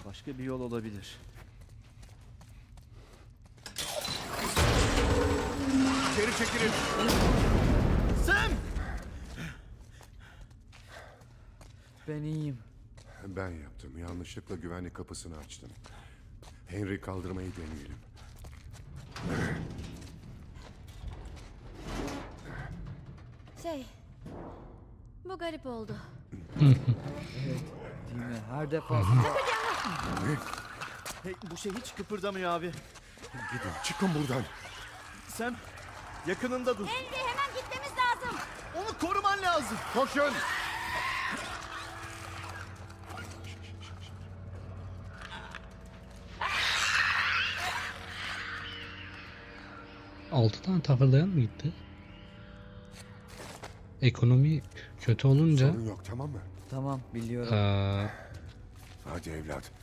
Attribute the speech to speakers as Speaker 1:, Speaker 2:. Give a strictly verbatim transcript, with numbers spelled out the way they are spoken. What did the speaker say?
Speaker 1: Başka bir yol olabilir.
Speaker 2: Geri çekilin.
Speaker 1: Sam! Ben iyiyim.
Speaker 2: Ben yaptım. Yanlışlıkla güvenlik kapısını açtım. Henry kaldırmayı deneyelim.
Speaker 3: Şey, bu garip oldu.
Speaker 1: Değil mi? Her defasında...
Speaker 2: Ne?
Speaker 1: Hey, bu şey hiç kıpırdamıyor abi.
Speaker 2: Gidin, çıkın buradan.
Speaker 1: Sam, yakınında dur.
Speaker 3: Henry, hemen gitmemiz lazım.
Speaker 1: Onu koruman lazım.
Speaker 2: Koşun!
Speaker 4: Altı tane takırdayan mı gitti? Ekonomi kötü olunca
Speaker 2: Sorun yok, tamam mı?
Speaker 1: Tamam, biliyorum.
Speaker 4: eee
Speaker 2: Hadi evlat.